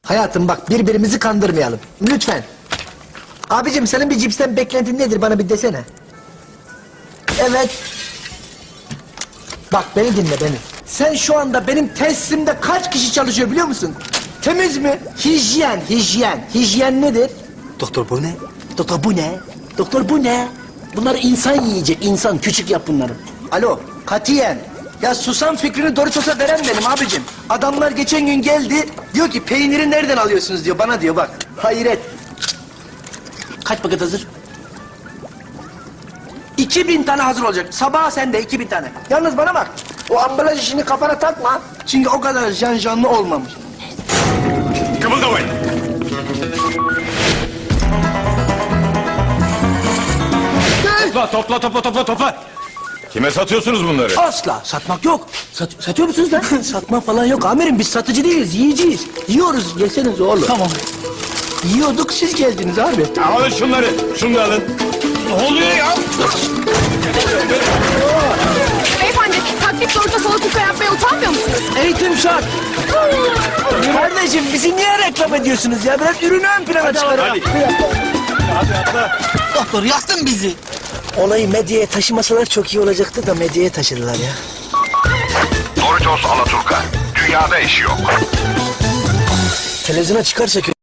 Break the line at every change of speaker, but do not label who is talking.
Hayatım bak birbirimizi kandırmayalım. Lütfen. Abicim senin bir cipsten beklentin nedir bana bir desene. Evet. Bak beni dinle beni. Sen şu anda benim tesisimde kaç kişi çalışıyor biliyor musun? Temiz mi? Hijyen, hijyen. Hijyen nedir? Doktor bu ne? Doktor bu ne? Doktor bu ne? Bunlar insan yiyecek, insan. Küçük yap bunları. Alo, katiyen. Ya susam fikrini Doritos'a veren benim abicim. Adamlar geçen gün geldi, diyor ki peyniri nereden alıyorsunuz diyor, bana diyor bak. Hayret. Kaç paket hazır? 2000 tane hazır olacak. Sabaha sende 2000 tane. Yalnız bana bak. O ambalaj işini kafana takma. Çünkü o kadar canlı olmamış.
Kımıldamayın. Topla. Kime satıyorsunuz bunları?
Asla satmak yok. Satıyor musunuz lan? Satmak falan yok amirim, biz satıcı değiliz, yiyeceğiz. Yiyoruz, yeseniz oğlum. Tamam. Yiyorduk, siz geldiniz abi.
Alın şunları. Şunu da alın. Ne oluyor ya?
Beyefendi, taklit doğrultuda salatuka yapmaya utanmıyor musunuz?
Eğitim şart. Kardeşim bizi niye reklam ediyorsunuz ya? Biraz ürünü ön plana çıkarın.
Hadi atla.
Doktor yaktın bizi. Olayı medyaya taşımasalar çok iyi olacaktı da medyaya taşıdılar ya.
Doritos Alaturka. Dünyada eşi yok.
Televizyona çıkarsa